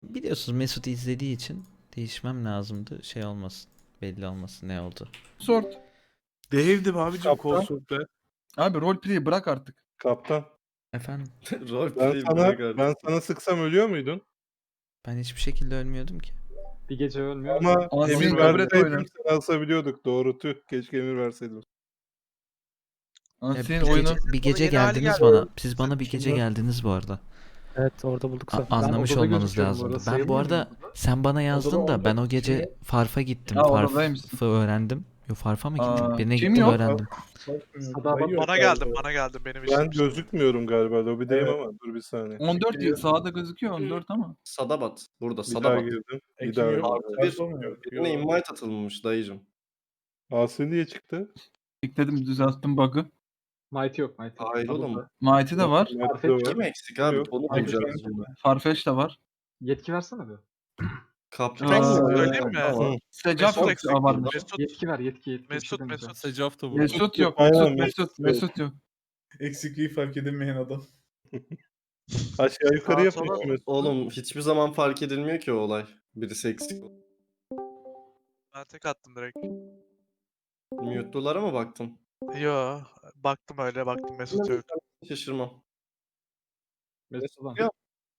Biliyorsunuz Mesut izlediği için değişmem lazımdı. Şey olmasın. Belli olmasın ne oldu. Sort. Dave'dim abicim Kaptan. kolsuzda. Abi roleplay'i bırak artık. Kaptan. Efendim Ben sana sıksam ölüyor muydun? ben hiçbir şekilde ölmüyordum ki. Bir gece ölmüyor. Ama Ağzını emir kabul et oyunu. verseydim seni asabiliyorduk. Doğru tüh. Keşke emir verseydim. Lan Ya senin bir oyunu. gece, bir gece yeni hali geldiniz geldi. bana. Siz bana bir gece geldiniz bu arada. Evet orada bulduk zaten. Anlamış odada olmanız gözüküyorum bu lazımdı. arada, Ben bu sayılmıyor arada muyum? sen bana yazdın Odada da ben o olacak gece şey- Farf'a gittim. Ya, odadaymışsın. Farf'ı öğrendim. Yo Farf'a mı gittim? Aa, Birine kim gittim yok? öğrendim. Bana geldim benim işim. Ben gözükmüyorum galiba. Lobideyim ama dur bir saniye. 14 diyor. Sağda gözüküyor 14 ama. Sadabat. Burada Bir daha Sadabat. girdim. Bir daha öldüm. Birine invite atılmış dayıcım. Asi niye çıktı? Tıkladım düzelttim bug'ı. Mighty yok Mighty. Hayır oğlum. Mighty de var. Kim eksik abi? Yok. Onu bulacağız şimdi. Farfetch de var. Yetki versene bir. Kaptan Söyleyeyim mi? Tamam. Secaf yok. eksik. Abartmış. Mesut, Yetki ver yetki. Bir Mesut, şey demeyeceğim. Mesut. Secaf da bu. Mesut yok. Aynen, Mesut yok. Eksikliği fark edilmeyen adam. Aşağı yukarı Sağa yapıyor. sola- Mesut. Oğlum hiçbir zaman fark edilmiyor ki o olay. Birisi eksik. Ben tek attım direkt. Mute'lulara mı baktın? Yo, baktım öyle baktım Mesut yok. Şaşırmam. Mesut ulan. Ya.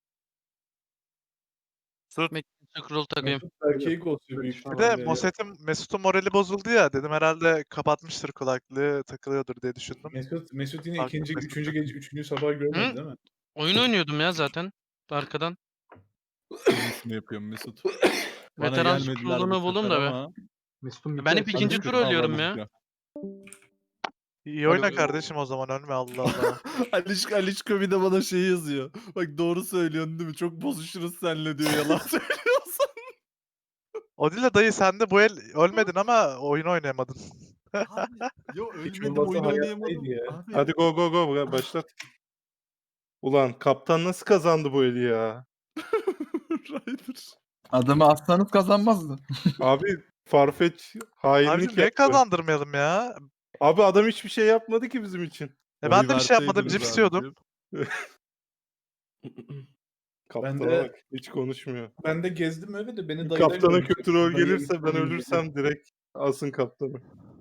Scroll takayım. Erkeği ghostluyor büyük Bir ihtimalle. de Mesut'un morali bozuldu ya dedim herhalde kapatmıştır kulaklığı takılıyordur diye düşündüm. Mesut yine Bak, ikinci, Mesut. üçüncü gece, üçüncü sabah görmedi Hı? değil mi? Oyun oynuyordum ya zaten. Arkadan. Şunu yapıyorum Mesut. Bana Veteran gelmediler bu scroll'unu buldum sefer da be. ama- Mesut'un Ben hep bir ikinci tur ölüyorum ya. İyi oyna kardeşim o zaman ölme Allah Allah. Alişko bir de bana şey yazıyor. Bak doğru söylüyorsun değil mi? Çok bozuşuruz seninle diyor yalan söylüyorsan. O değil de dayı sen de bu el ölmedin ama oyun oynayamadın. Yo Hiç ölmedim olmazsa oyun oynayamadım. hayattaydı ya. Abi, Hadi go başlat. Ulan kaptan nasıl kazandı bu eli ya? Ryder. Adamı aslanız kazanmazdı. Abi Farfetch hainlik Abi niye yaptı. kazandırmayalım ya? Abi adam hiçbir şey yapmadı ki bizim için. Ben de bir şey yapmadım verseydiniz cips yiyordum. abicim. Kaptana Ben de- bak hiç konuşmuyor. Ben de gezdim öyle de beni dayılar Kaptana görmüşler. kötü rol Dayı gelirse ben görmüşler. ölürsem direkt alsın kaptanı.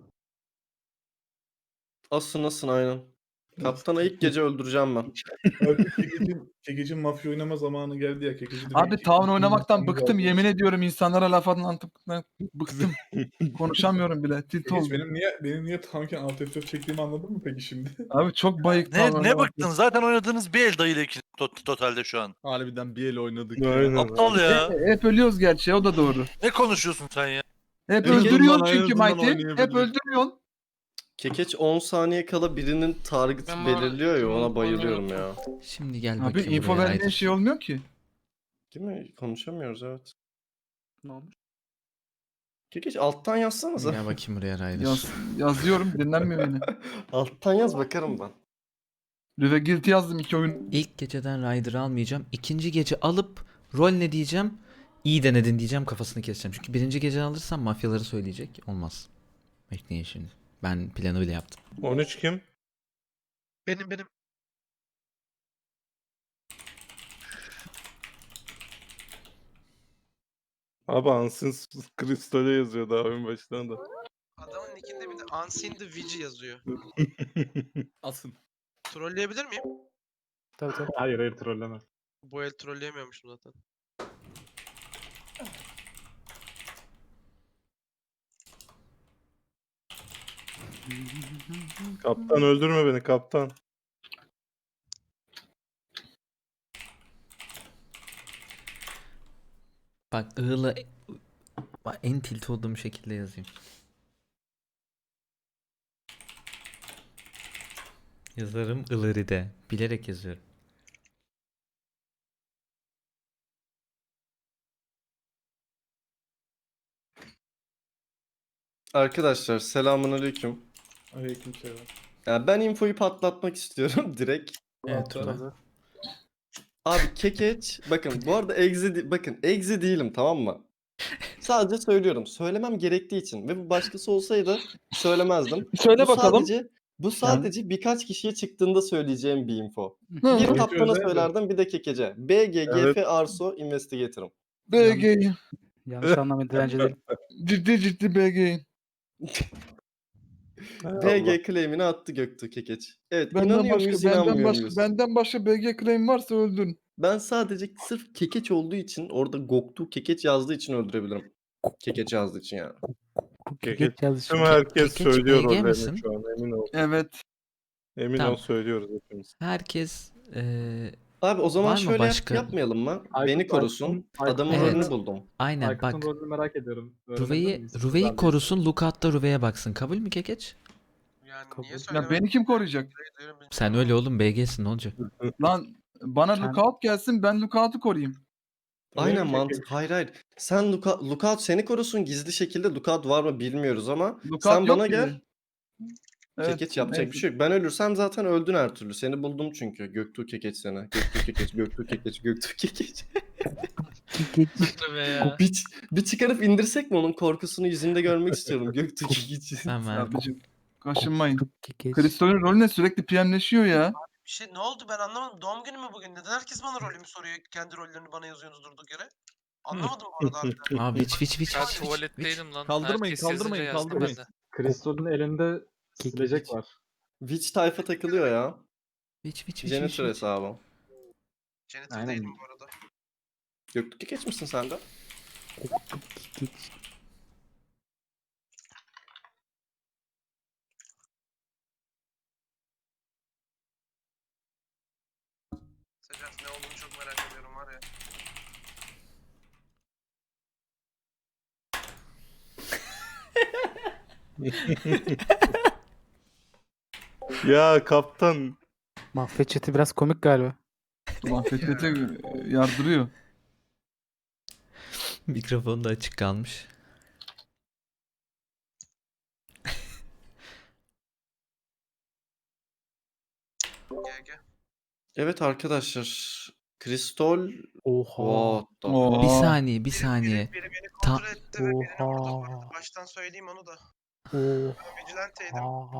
Asın aynen. Kaptanı ilk gece öldüreceğim ben. Abi Kekecin mafya oynama zamanı geldi ya. Kekeci de Abi belki- town oynamaktan bıktım. Geldi. Yemin ediyorum insanlara laf anlatmaktan bıktım. Konuşamıyorum bile. Tilt Kekeç, oldum. benim niye Townken alt F4 çektiğimi anladın mı peki şimdi? Abi çok bayık town Ne oynamaktan. bıktın? Zaten oynadığınız bir el dayıyla ikili totalde şu an. Harbiden bir el oynadık Aynen. ya. Aptal ya. Hep ölüyoruz gerçi o da doğru. Ne konuşuyorsun sen ya? Hep Evet, öldürüyorsun bundan çünkü en azından Mighty. Hep oynayabiliriz. öldürüyorsun. Kekeç 10 saniye kala birinin target Ben bu belirliyor ya ona arada- bayılıyorum ya. Şimdi gel Abi bakayım info buraya verdiğin Ryder. şey olmuyor ki. Değil mi? Konuşamıyoruz evet. Ne olmuş? Kekeç alttan yazsanıza. Gel bakayım buraya Ryder. Yazıyorum dinlenmiyor beni. Alttan yaz bakarım ben. Rüve Guilty yazdım 2 oyun. İlk geceden Ryder'ı almayacağım. İkinci gece alıp rol ne diyeceğim? İyi denedin diyeceğim kafasını keseceğim. Çünkü birinci gece alırsam mafyaları söyleyecek. Olmaz. Bekleyin şimdi. Ben planı bile yaptım. 13 kim? Benim. Abi Ansın Kristol'e yazıyor daha oyun başlarında. Adamın nickinde bir de Unseen the Vici yazıyor. Asın. Trolleyebilir miyim? Tabii tabii. Hayır trolleme. Bu el trolleyemiyormuşum zaten. Kaptan öldürme beni kaptan. Bak ığla bak, en tilt olduğum şekilde yazayım. Yazarım ılıride. Bilerek yazıyorum. Arkadaşlar selamünaleyküm. Aleykümselam. Ya ben infoyu patlatmak istiyorum direkt. Evet Tuna. Abi Kekeç bakın bu arada bakın egzi değilim tamam mı? Sadece söylüyorum. Söylemem gerektiği için ve bu başkası olsaydı söylemezdim. Söyle Bu bakalım. sadece Bu sadece birkaç kişiye çıktığında söyleyeceğim bir info. Hı. Bir Tabii. Kaptan'a Özel de. söylerdim, bir de Kekece. BG, Evet. GF, Arso, Investigator'ım. BG. Yanlış anlamayın direnci değil. Ciddi BG. BG claim'ini attı Göktuğ Kekeç. Evet, Benden inanıyor başka muyuz, benden inanmıyor başka muyuz? benden başka BG claim varsa öldün. Ben sadece sırf Kekeç olduğu için, orada Göktuğ Kekeç yazdığı için öldürebilirim. Kekeç yazdığı için yani. Tüm herkes Kekeç söylüyor BG misin? rollerini şu an emin ol. Evet. Emin Tamam. ol söylüyoruz hepimiz. Herkes Abi o zaman Var mı şöyle başka? yapmayalım mı? Aykut- Beni korusun. Aykut- Adamın Evet. rolünü buldum. aynen Aykut'un bak. rolünü merak ediyorum. Öğrenebilir Ruve'yi miyiz? Ruve'yi Güzel korusun. Lookout da Ruve'ye baksın. Kabul mü Kekeç? Yani Kabul. niye Ya söylemedin? beni kim koruyacak? Sen öyle oğlum BG'sin ne olacak? Lan bana lookout gelsin, ben lookout'u koruyayım. Aynen mi mantık. Hayır hayır. Sen Lookout seni korusun gizli şekilde. Lookout var mı bilmiyoruz ama Lookout sen yok bana ki. gel. Evet, Kekeç yapacak neyse. bir şey yok. Ben ölürsem zaten öldün her türlü. Seni buldum çünkü. Göktuğ Kekeç seni. Göktuğ Kekeç, Göktuğ Kekeç, Göktuğ Kekeç. Tabii ya. Bir çıkarıp indirsek mi onun korkusunu yüzünde görmek istiyorum Göktuğ Kekeç'i. Ben verdim. Abicim kaşınmayın. Kristol'ün rolü ne? Sürekli PM'leşiyor ya. Bir şey ne oldu ben anlamadım. Doğum günü mü bugün? Neden herkes bana rolümü soruyor? Kendi rollerini bana yazıyorsunuz durduk yere. Anlamadım bu arada harbiden. Abi viç. Ben tuvaletteydim lan. Kaldırmayın, Herkes yazınca kaldırmayın, yazdım kaldırmayın. ben de. Kristol'ün elinde silecek var. Witch tayfa takılıyor ya. Viç. Janitor hesabı. Janitor Aynen. değilim bu arada. Göktuğ Kekeç misin sen de? Secaf ne olduğunu çok merak ediyorum var ya. Ya kaptan Mahvet chat'i biraz komik galiba. Mahfetete yardırıyor. Mikrofon da açık kalmış. GG. Evet arkadaşlar. Kristol. Oha. What the Oo. Bir saniye, bir saniye. Biri beni Ta- kontrol etti ve birini vurdu bu Oha. arada. Baştan söyleyeyim onu da. Oha. Ben vigilanteydim.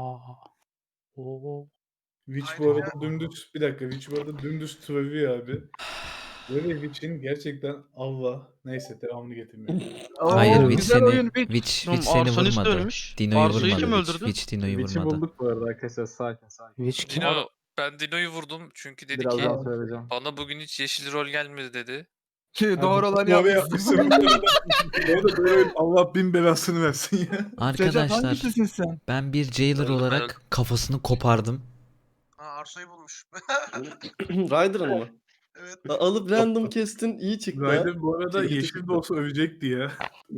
Oo. Witch bu arada dümdüz bir dakika Witch bu arada dümdüz travıyor abi. Böyle Witch'in gerçekten Allah. Neyse devamını getirmiyorum. Hayır Oo, Viç güzel oyun seni Witch. Viç Oğlum, seni Arsonist de vurmadı. ölmüş. Dino'yu Arso'yu kim vurmadı. öldürdü? Viç Dino'yu Witch'i vurmadı. bulduk bu arada arkadaşlar. Sakin. Witch kim? Dino, ben Dino'yu vurdum çünkü dedi Birazdan ki söyleyeceğim. bana bugün hiç yeşil rol gelmedi dedi. Ki doğru olanı Doğru yapmışsın. yapmışsın. Orada böyle Allah bin belasını versin ya. Secaf Arkadaşlar hangisisin sen? ben bir jailer Öldüm, olarak kafasını kopardım. Ha Arso'yu bulmuş. Ryder'ın mı? Evet. Alıp random kestin iyi çıktı. ha. Ryder bu arada Çekti yeşil çıktı. de olsa övecekti ya.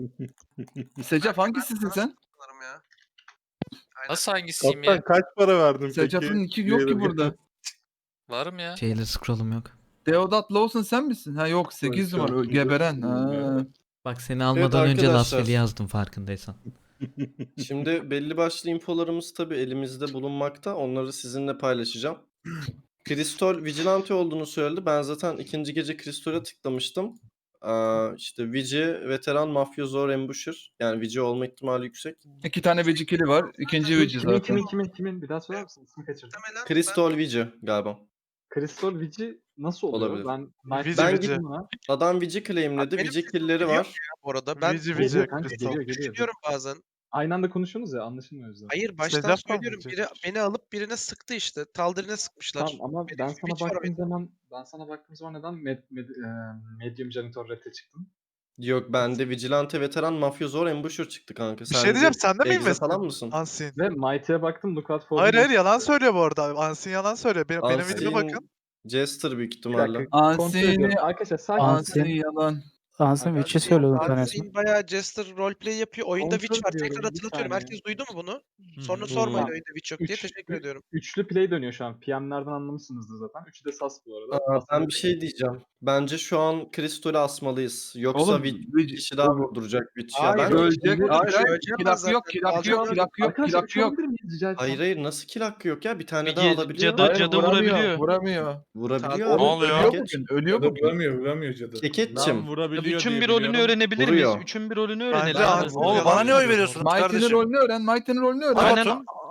Secaf hangisisin sen? Sanırım ya. Aynen. Nasıl hangisiyim kaptan ya? kaç para verdin peki? Secaf'ın iki yok ki burada. Varım ya. Jailer scroll'um yok. Deodat Lawson sen misin? Ha yok 8 Yok, numara yok. geberen. Ha. Bak seni almadan önce arkadaşlar. Lasvel'i yazdım farkındaysan. Şimdi belli başlı infolarımız tabii elimizde bulunmakta. Onları sizinle paylaşacağım. Kristol Vigilante olduğunu söyledi. Ben zaten ikinci gece Kristol'e tıklamıştım. İşte Vici, veteran, mafyozor, ambusher. Yani Vici olma ihtimali yüksek. 2 tane vecikili var. İkinci veci zaten. Kimin? Bir daha söyler misin? İsmi kaçırdım. Muhtemelen Kristol Vici galiba. Kristol Vici nasıl oluyor? Olabilir. Ben Vici, Ben Vici. Adam Vici claimledi. Benim Vici sesim kill'leri geliyor var. bu arada. Ben Vici, Geliyor Vici. kanka, Kristol. geliyor. düşünüyorum bazen. Aynı anda konuşuyorsunuz ya anlaşılmıyor o yüzden. Hayır baştan Secaf mı söylüyorum. Biri anlatacak? beni alıp birine sıktı işte. Taldirine sıkmışlar. Tamam ama Benim ben bir sana Witch var baktığım oyunda. zaman neden Medium Janitor Red'e çıktın? Yok bende Vigilante, veteran, mafyozor, ambusher çıktı kanka. Bir şey diyeceğim sen de mi Exe invest falan mısın? Ansin? Ve Mighty'ye baktım Lookout for Hayır yalan söylüyor bu arada. Ansin yalan söylüyor. Benim videoma bakın. Jester büyük Bir ihtimalle. dakika. Kontrol Ansini, ediyorum. Arkadaşlar sakin. Ansini yalan. Ansın Witch'i söylüyordun tanesini. Ansin bayağı Jester roleplay yapıyor. Oyunda Kontrol Witch var. ediyorum, Tekrar bir hatırlatıyorum. saniye. Herkes duydu mu bunu? Sonra Hı. sormayın Hı. oyunda Witch yok diye. Teşekkür ediyorum. Üçlü play dönüyor şu an. PM'lerden anlamışsınızdır zaten. Üçü de sas bu arada. Ben bir şey diyeceğim. Bence şu an Kristol'ü asmalıyız. Yoksa Oğlum, bir kişi daha vurduracak Witch. Ya Hayır, ben ölecek. Ölecek. Hayır, Ölecek kilak zaten. yok, kilak yok, Alacak. kilak yok, Arkadaşlar kilak yok. uçabilir miyiz rica etsem? Hayır nasıl kill hakkı yok ya? Bir tane Bir daha alabiliyor. cadı- cadı vurabiliyor. Vuramıyor. Vurabiliyor Ne abi. oluyor? Ölüyor Kekeç. bugün. Ölüyor Cadı bugün. vuramıyor cadı. Kekeç'im. vurabiliyor Üçün bir rolünü öğrenebilir Vuruyor. miyiz? Üçün bir rolünü Bence öğrenelim. Ansin Oğlum yalan bana ne oy söylüyor. veriyorsunuz Mighty'nin kardeşim? rolünü öğren. Mighty'nin rolünü öğren. Aynen. Batu'nun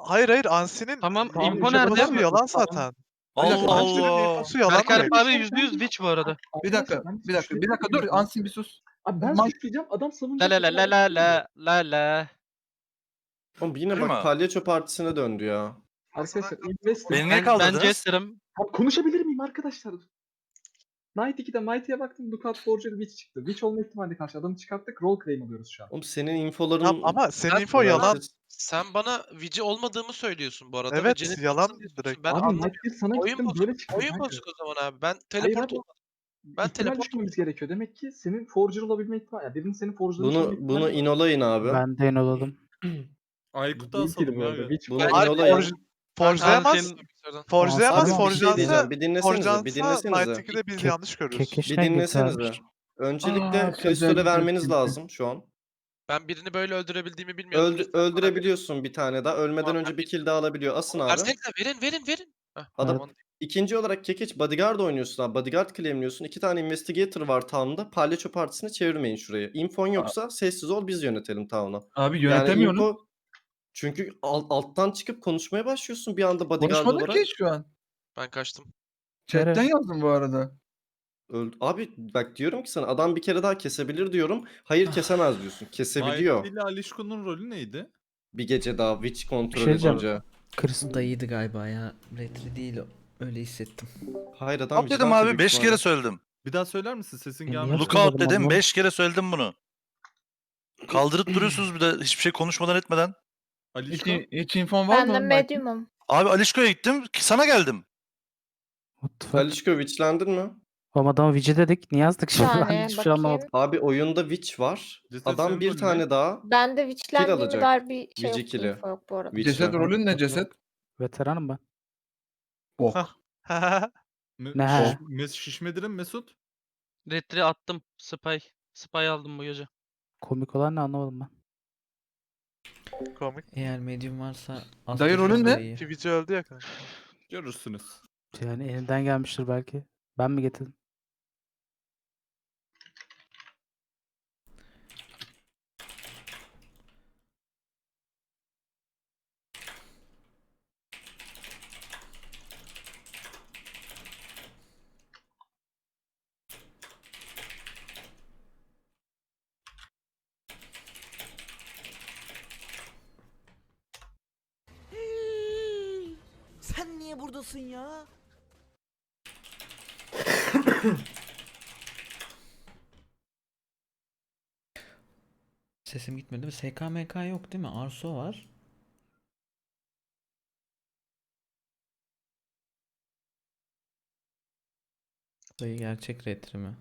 Hayır Ansi'nin Tamam, Tamam, info işte nerede? burası yalan Tamam. zaten. Allah Ansi'nin Allah. infosu yalan Berk Alp direkt. abi %100 witch bu arada. Bir dakika, bir dakika dur. Ansin bir sus. Abi ben Man- suçlayacağım. Adam La savunacak. la la la la la la la. Oğlum yine Değil bak mi? palyaço partisine döndü ya. Arkadaşlar Investor. Beni niye Ben kaldırdınız? Jester'ım. Abi konuşabilir miyim arkadaşlar? Knight 2'de Mighty'ye baktım. Lookout Forger Witch çıktı. Witch olma ihtimali karşı adamı çıkarttık. Roll claim alıyoruz şu an. Oğlum senin infoların... Tamam, ama senin info önemsiz. yalan. Sen bana Vici olmadığımı söylüyorsun bu arada. ve Evet, Janet yalan diyorsun. direkt. Ben abi anlamıyorum. Might 1 sana Oyun gittim bozuk. böyle çıktı. Oyun kanka. bozuk o zaman abi. Ben Hayır teleport abi. olmadım. Ben İhtimal teleport düşmemiz gerekiyor. Demek ki senin forger olabilme ihtimali. Yani birinin senin forgerlamış olma ihtimali Bunu var. inolayın abi. Ben de inoladım. Aykut'u Değil ki asalım bu ya. arada. Witch Bunu falan. Hayır, inolayın. Forge'layamaz. Forge'layamaz. Abi bir şey Forge'lansa diyeceğim. Bir dinlesenize. Bir Forge'lansa dinlesenize. Night 2'de biz Ke- yanlış görürüz. Kekeş Bir ne dinlesenize. getirmiş? Öncelikle Kristol'e özellikle vermeniz çünkü. lazım şu an. Ben birini böyle öldürebildiğimi bilmiyordum. Öldürebiliyorsun bir tane daha. Ölmeden Tamam, önce ben bir kill daha alabiliyor. Asın abi. Versenize verin. Heh, Adam tamam. ikinci olarak Kekeç bodyguard oynuyorsun abi. Bodyguard claimliyorsun. 2 tane investigator var town'da. Palyaço partisini çevirmeyin şuraya. Infon yoksa sessiz ol biz yönetelim town'u. Abi Yani yönetemiyorsun. info çünkü alttan çıkıp konuşmaya başlıyorsun bir anda bodyguard Konuşmadın olarak. ki şu an. Ben kaçtım. Chatten Nereye? yazdım bu arada. Abi bak diyorum ki sana adam bir kere daha kesebilir diyorum. Hayır kesemez diyorsun. Kesebiliyor. Mighty ile Alişko'nun rolü neydi? Bir gece daha witch kontrol şey diyeceğim. edince. Chris Dayıydı galiba ya. Retri değil o. Öyle hissettim. Hayır adam Hop dedim vigilante abi büyük 5 ihtimalle. kere söyledim. Bir daha söyler misin? Sesin niye gelmedi. hatırlamadım Lookout dedim anlamadım. 5 kere söyledim bunu. Kaldırıp duruyorsunuz bir de hiçbir şey konuşmadan etmeden. Alişko. Hiç infon var mı? Ben de medium'um. Abi Alişko'ya gittim sana geldim. What the fuck? Alişko witchlendin mi? Oğlum adama witch'e dedik. Niye yazdık şimdi? saniye, Ben hiçbir şey bakayım. anlamadım. Abi oyunda witch var. Ceset Adam senin bir rolün tane ne? daha Ben de witchlendiğime alacak. dair bir şey Vici yok. kill'i. Info yok bu arada. witch Ceset var. rolün ne ceset? Veteranım ben. Bok. Ne? Şişmedirin Mesut. Retri attım. Spy aldım bu gece. Komik olan ne anlamadım ben. Komik. Eğer medium varsa Dayı rolün ne? dayıyı. Twitch'i öldü ya kanka. Görürsünüz. Yani elinden gelmiştir belki. Ben mi getirdim? Sen niye buradasın ya? Sesim gitmedi mi? SKMK yok değil mi? Arso var. Dayı gerçek retri mi?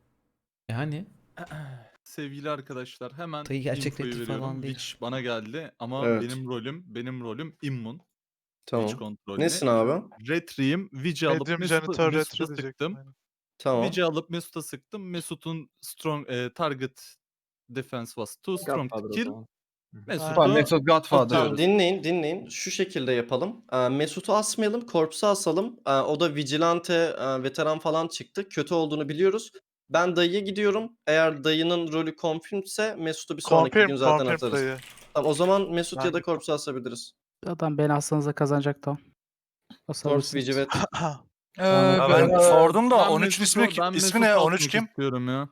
Yani Sevgili arkadaşlar hemen Dayı gerçek infoyu retri veriyorum. falan değil. Witch bana geldi ama Evet. benim rolüm immun. Tamam. Witch kontrolü. Nesin abi? Retri'yim. Witch'i alıp Medium Janitor Mesut'a Retro diyecektim. sıktım. aynen. Tamam. Witch'i alıp Mesut'a sıktım. Mesut'un strong target defense was too strong to Godfather o kill. zaman. Mesut'u Tamam Mesut Godfather. Tamam dinleyin. Şu şekilde yapalım. Mesut'u asmayalım, Corpse'u asalım. O da vigilante, veteran falan çıktı. Kötü olduğunu biliyoruz. Ben dayıya gidiyorum. Eğer dayının rolü confirmedse Mesut'u bir sonraki gün zaten Confirm atarız. dayı. Tamam, o zaman Mesut ya da Ben- Corpse'u asabiliriz. Adam beni aslanıza kazanacak tamam. Corpse, Vici ve Ha, ben sordum da Ben 13 Mesut'u- ismi ne? 13 asmak kim? istiyorum ya.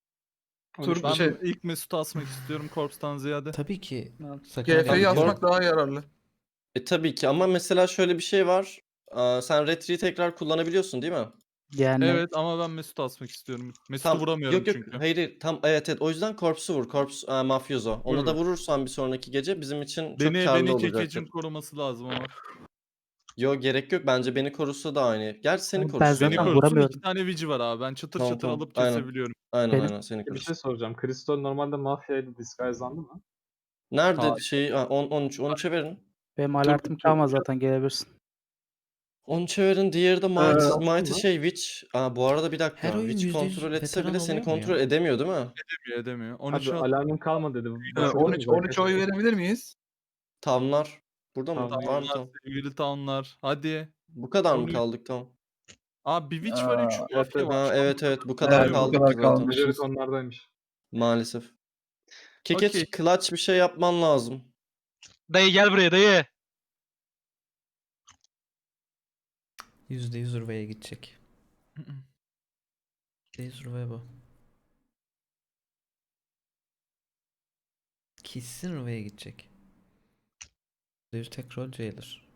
Tur Ben şey ilk Mesut'u asmak istiyorum Corpse'tan ziyade. tabii ki GF'yi Tabii, asmak daha yararlı. tabii ki ama mesela şöyle bir şey var. Sen Retri'yi tekrar kullanabiliyorsun değil mi? Yani Evet ama ben Mesut'u asmak istiyorum. Mesut'u vuramıyorum yok, çünkü. hayır tam evet o yüzden Corpse'u vur. Corpse mafyoso. Onu da Vururum. vurursan bir sonraki gece bizim için çok Beni karlı Kekeç'in olacaktır. koruması lazım ama. Yok gerek yok. Bence beni korusa da aynı. Gerçi seni Ben korusun. zaten Beni ya. korusun vuramıyorum. 2 tane Vici var abi. Ben çıtır Tamam, çıtır tamam. alıp Aynen. kesebiliyorum. Aynen Benim- seni Bir korusun. şey soracağım. Crystal normalde mafyaydı. Disguise'landı mı? Nerede Hayır. şey 13'e verin. benim alertim kalmaz zaten gelebilirsin. 13'e verin. Diğeri de Mighty şey Witch. Bu arada bir dakika. Her oyun Witch %100 kontrol etse veteran bile seni oluyor mu kontrol ya? edemiyor değil mi? Edemiyor. Abi 13'e alarmım kalmadı dedi. 13 oy verebilir miyiz? Tamlar. Burada mı? Tamam. Var mı tam? sevgili townlar. Hadi. Bu kadar mı 13. kaldık tam? Abi bir Witch var 3 evet, mafya evet. var. Evet bu kadar Evet, bu kaldık kadar zaten. kalmış. Majority onlardaymış. Maalesef. Kekeç Okey. clutch bir şey yapman lazım. Dayı gel buraya dayı. %100 Ruva'ya gidecek. %100 Ruva'ya bu. Kesin Ruva'ya gidecek. %100 tek rol Jailer.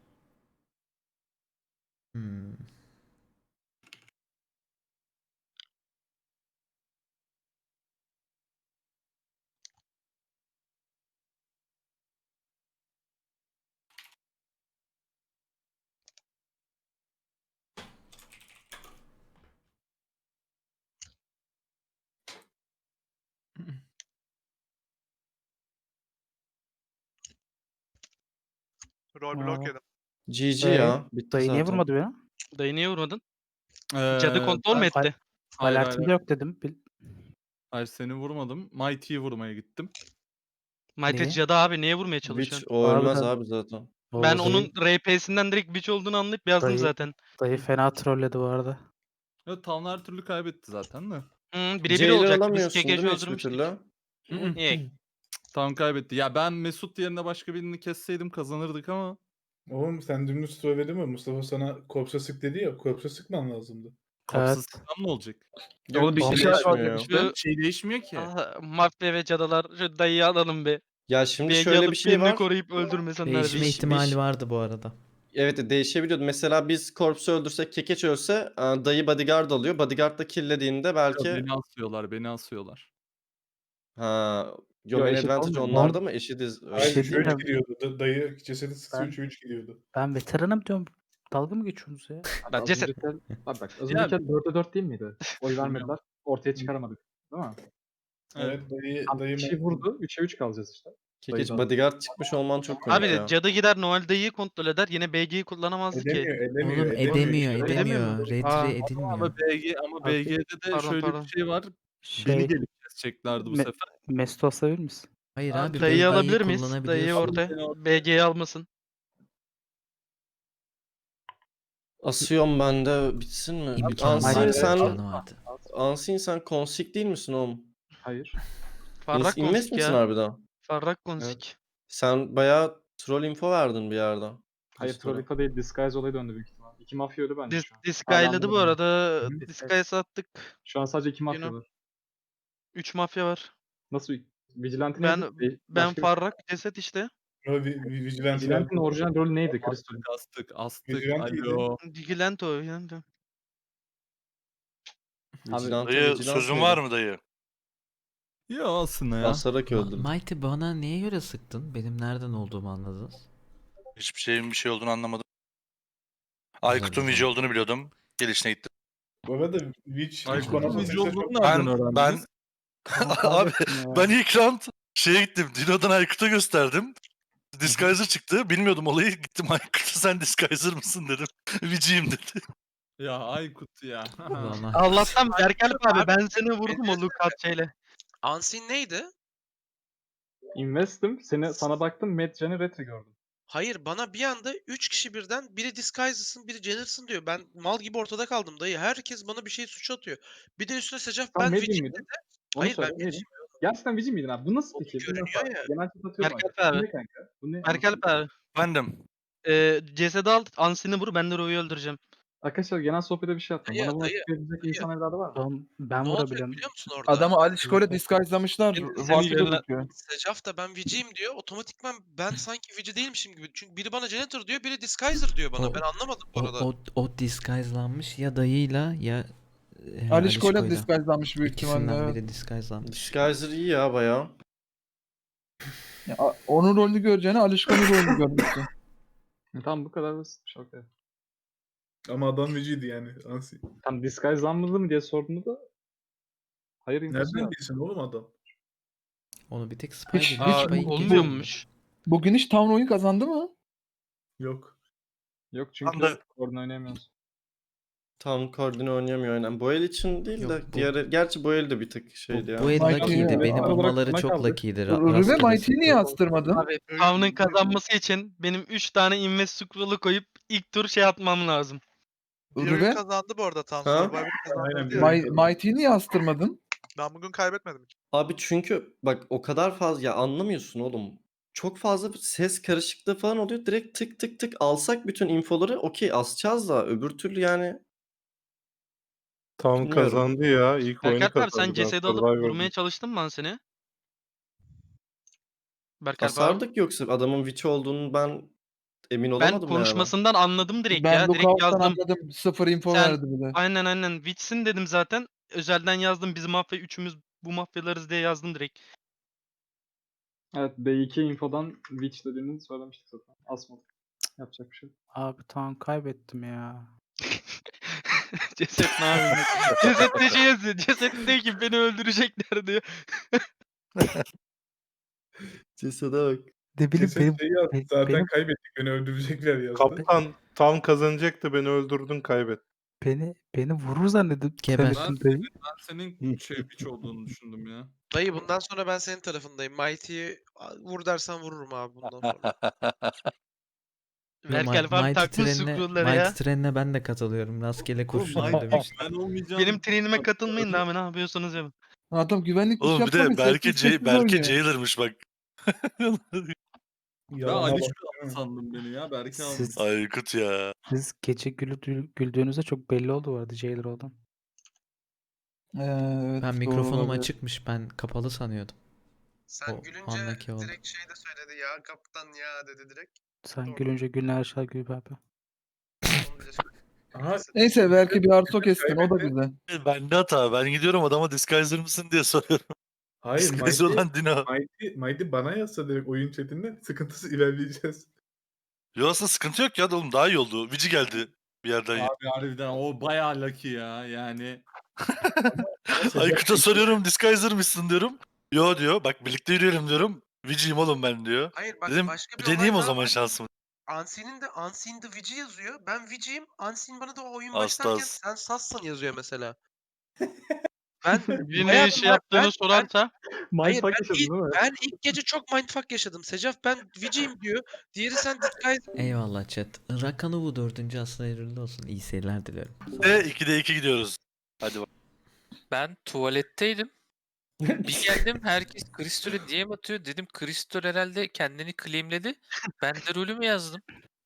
Rol blok yedim. GG ya. Bitti Dayı niye zaten. vurmadı beni? Dayı niye vurmadın? Cadı kontrol mü etti? Alertimde yok dedim. Hayır seni vurmadım. Mighty'yi vurmaya gittim. Mighty Niye? cadı abi niye vurmaya Witch çalışıyorsun? o ölmez Harbiden. abi zaten. Ben Vallahi onun RP'sinden direkt Witch olduğunu anlayıp yazdım Dayı- zaten. Dayı fena trolledi bu arada. Evet Town her türlü kaybetti zaten de. Birebir Jailer olacak. Biz alamıyorsun değil KK'ci mi hiçbir öldürmüştük. türlü? Niye? Town kaybetti. Ya ben Mesut yerine başka birini kesseydim kazanırdık ama. Oğlum sen dümdüz trolledin mi? Mustafa sana korpsa sık dedi ya. Korpsa sıkman lazımdı. Kapsız ne olacak? Yok bir şey değişmiyor. Şu Şey değişmiyor ki. mafya ve cadılar şu dayıyı alalım be. Ya şimdi Bir şöyle alıp bir şey birini var. koruyup öldürmesinler Değişme bizi. ihtimali vardı bu arada. Evet değişebiliyordu. Mesela biz Corpse'u öldürsek Kekeç ölse dayı bodyguard alıyor. Bodyguard da killediğinde belki Beni asıyorlar. ha Yo, Yomen eşit Advantage olmuyor. onlarda mı? Eşitiz. Öyle Hayır şey 3 değil mi? diyeyim 3 gidiyordu. Dayı cesedi sıksa Ben- 3 gidiyordu. Ben veteranım diyorum. Dalga mı geçiyorsunuz ya? Ben ceset. Abi bak Az önceki 4'e 4 değil miydi? Oy vermediler. Ortaya çıkaramadık. Değil mi? Evet dayı Bir şey vurdu. 3'e 3 kalacağız işte. Kekeç Dayıdan. bodyguard çıkmış olman çok komik Abi ya. cadı gider Noel dayıyı kontrol eder. Yine BG'yi kullanamazdı ki. edemiyor. Oğlum edemiyor, işte. edemiyor. Aa. Retri edilmiyor. Ama BG'de de Pardon, şöyle pardon. bir şey var. Beni Şey, gelip keseceklerdi bu sefer. Mesut'u asabilir misin? Hayır Abi, abi Dayıyı BG'yi alabilir miyiz? Dayıyı kullanabiliyorsun. ortaya. BG'yi almasın. Asıyorum ben de bitsin mi? İmkanı Unseen vardı, sen imkanı vardı. Unseen sen konsik değil misin oğlum? Hayır. Farrak Invest konsik misin ya. harbiden? Farrak konsik. Sen bayağı troll info verdin bir yerde. Hayır Kristol'a. Trollika değil. Disguise olayı döndü büyük ihtimal. 2 mafya öldü bence şu an. Disguise'ladı bu anlamadım arada. Disguise attık. Şu an sadece 2 mafya Yine- var. 3 mafya var. Nasıl? Vigilante Ben neydi? ben Başka bir- Farrak ceset işte. Vigilante. Vigilante'nin orijinal rolü neydi? Crystal. Astık. Vigilanteydi. Alo. Vigilante o. Vigilante. Vigilante, Dayı vigilante sözün miydi? var mı dayı? Ya aslında ya. Basarak öldüm. Mighty bana neye göre sıktın? Benim nereden olduğumu anladınız. Hiçbir şeyin bir şey olduğunu anlamadım. Aykut'un güzel. Vici olduğunu biliyordum. Gelişine gittim. Bu arada Witch bana Aykut'un basınca Vici çok... olduğunu nereden öğrendiniz? Abi ben ilk round şeye gittim. Dino'dan Aykut'a gösterdim. Disguiser çıktı. Bilmiyordum olayı. Gittim Aykut'a sen Disguiser mısın dedim. Vici'yim dedi. Ya Aykut ya. Ulan ah. Allah'tan Berkel abi ben seni vurdum o Lukat şeyle. Unseen neydi? Invest'im. Sana baktım. Medjan'ı retro gördüm. Hayır bana bir anda 3 kişi birden biri Disguise'sın biri Jenner'sın diyor. Ben mal gibi ortada kaldım dayı. Herkes bana bir şey suç atıyor. Bir de üstüne Secaf Sen ben Medin Witch'im miydin? dedi. Onu Hayır, söyle. ben Neydin? Gerçekten Vici miydin abi? Bu nasıl Oğlum, fikir? görünüyor ya. Genel chat atıyorum. Berkel Bu abi. ne kanka? Bu ne? Berkel abi. Bendim. Cesedi al. Ansini vur. Ben de Ro'yu öldüreceğim. Arkadaşlar genel sohbete bir şey attım. Dayı, Bana bunu dayı, açıklayabilecek dayı. insan evladı var mı? Tamam, ben Ne olacak vurabilirim. biliyor musun orada? Adamı Alişko'yla disguise'lamışlar. Seni yönlen- Secaf da ben Vici'yim diyor. Otomatikman ben sanki Vici değilmişim gibi. Çünkü biri bana Janitor diyor, biri Disguiser diyor bana. O- Ben anlamadım bu arada. O disguise'lanmış ya dayıyla ya Alişko'yla disguise'lanmış büyük İkisinden ihtimalle. biri disguise'lanmış. Disguiser iyi ya bayağı. Onun rolünü göreceğine Alişko'nun rolünü görmüştü. Tamam bu kadar basitmiş. Okay. Ama adam Vici'ydi yani. Ansi. Tam disguise'lanmadı mı diye sorduğunda da hayır infosu Nereden yok. bilsin oğlum adam? Onu bir tek Spy Hiç- biliyor. hiç Spy ilk kez Olmuyormuş. Bugün hiç Town oyun kazandı mı? Yok. Yok çünkü Anda- oradan oynayamıyoruz. Tam koordine oynayamıyor aynen. Bu el için değil Yok, de bu- diğer gerçi bu el de bir tık şeydi ya. Bu el Mighty lucky'ydi. ya. Beni Olarak bulmaları buna çok kaldık. lucky'ydi. Rüve Rastgele Mighty'yi niye sıktı. astırmadın? Abi Town'un kazanması için benim 3 tane invest scroll'u koyup ilk tur şey atmam lazım. Rüve kazandı bu arada Town. Ha? Survivor Aynen, kazandı bir- Mighty'yi niye astırmadın? Ben bugün kaybetmedim. Abi çünkü bak o kadar fazla ya anlamıyorsun oğlum. çok fazla ses karışıklığı falan oluyor. Direkt tık tık tık alsak bütün infoları okey asacağız da öbür türlü yani Tam bilmiyorum. kazandı ya. İlk oyunu Berkalp abi sen kazandı. Ben cesedi alıp Survivor'dım. vurmaya çalıştın mı lan seni? Berkalp abi. Asardık yoksa adamın witch olduğunu ben emin Ben olamadım yani. konuşmasından anladım direkt Ben ya. Direkt Lookout'tan yazdım. anladım. 0 info Sen- verdi bir de. Aynen. Witch'sin dedim zaten. Özelden yazdım. Biz mafya üçümüz bu mafyalarız diye yazdım direkt. Evet B2 infodan Witch dediğini söylemiştik zaten. Asmadık. Yapacak bir şey yok. Abi tamam kaybettim ya. Ceset ne yapayım? Ceset ne şey yazıyor? Ceset diyor ki beni öldürecekler diyor. Cesede bak. Ne bileyim Ceset şey yazdı. Zaten benim- kaybettik. Beni öldürecekler yazdı. Kaptan tam kazanacaktı, beni öldürdün, kaybet. beni vurur zannedip Geber. zannettim dayı. Ben senin witch olduğunu düşündüm ya. Dayı bundan sonra ben senin tarafındayım. Mighty'yi vur dersen vururum abi bundan sonra. Berkalp abi takmış scroll'ları ya. Mighty trenine ben de katılıyorum. Rastgele kurşun demiş. Ben olmayacağım. Benim trenime katılmayın da abi ne yapıyorsunuz yapın. Adam güvenlik Oğlum bir de Berke Jailer'mış bak. Yalana bak. sandım beni ya. Berke Siz, Aykut ya. siz gece güldüğünüzde çok belli oldu bu arada Jailer olan. Evet, Ben mikrofonum açıkmış. Ben kapalı sanıyordum. Sen O gülünce andaki oldu. direkt şey de söyledi ya kaptan ya dedi direkt. Sen Doğru. gülünce gülün her şey gül be abi. Onu bile söyledi. Aha, Neyse belki bir arto kestin o da güzel. Bende hata. Ben gidiyorum adama disguiser mısın diye soruyorum. hayır Disguiser olan Dino. Mighty bana yazsa direkt oyun chatinde sıkıntısız ilerleyeceğiz. Yo aslında sıkıntı yok ya oğlum daha iyi oldu. Vici geldi bir yerden. Abi harbiden o bayağı lucky ya yani. Aykut'a soruyorum disguiser mısın diyorum. Yo diyor. Bak birlikte yürüyelim diyorum. Vici'yim oğlum ben diyor. Hayır bak Dedim başka bir bir deneyeyim olay o daha zaman var. şansımı. Unseen'de Vici yazıyor. Ben Vici'yim. Unseen bana da o oyun Az başlarken tas. sen Sass'san yazıyor mesela. Ben Bir ne hayatımda- iş yaptığını ben- sorarsa Hayır, Mindfuck ben yaşadın ilk, değil mi? ben ilk gece çok mindfuck yaşadım. Secaf ben Vici'yim diyor. Diğeri sen disguise. Eyvallah chat. Rakanı bu 4. aslında hayırlı olsun. İyi seyirler dilerim. Ve 2'de 2 gidiyoruz. Hadi bak. Ben tuvaletteydim. Bir geldim herkes Kristol'e DM atıyor. Dedim Kristol herhalde kendini claimledi. Ben de rolümü yazdım.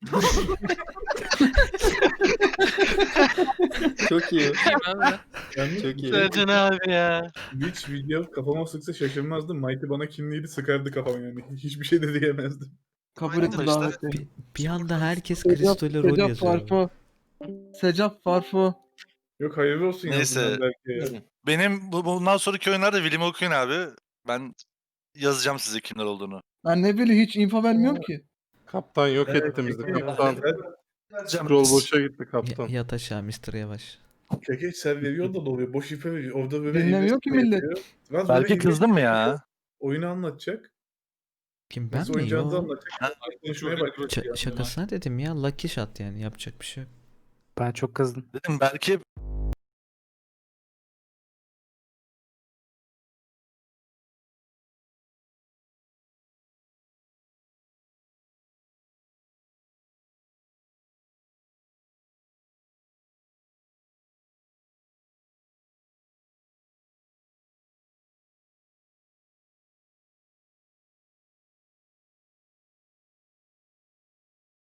Çok iyi. Diyeyim abi ben. Yalnız Çok iyi. Sercan abi ya. Witch video kafama sıksa şaşırmazdım. Mighty bana kimliydi sıkardı kafama yani. Hiçbir şey de diyemezdim. Kabul ettim Arkadaşlar, daveti. Bir anda herkes Kristol'e rol Secaf yazıyor. abi. Farfo. Secaf Farfo. Yok hayırlı olsun Neyse. yazdım ben belki ya. Benim bundan sonraki oyunlarda William okuyun abi. Ben yazacağım size kimler olduğunu. Ben ne bileyim hiç info vermiyorum ki. Kaptan yok Evet, etti bizi. peki. Kaptan. Sen- Scroll boşa gitti kaptan. Yat aşağı Mr. Yavaş. Kekeç sen veriyor da oluyor. Boş ipe veriyor. Orada böyle Dinlemiyor ki millet. Biraz Belki böyle kızdın mı ya? oyunu anlatacak. Kim ben Nasıl mi? oynayacağınızı Yo. anlatacak. Konuşmaya başlayacak. Şakasına dedim ya. Lucky shot yani. Yapacak bir şey yok. Ben çok kızdım. Dedim belki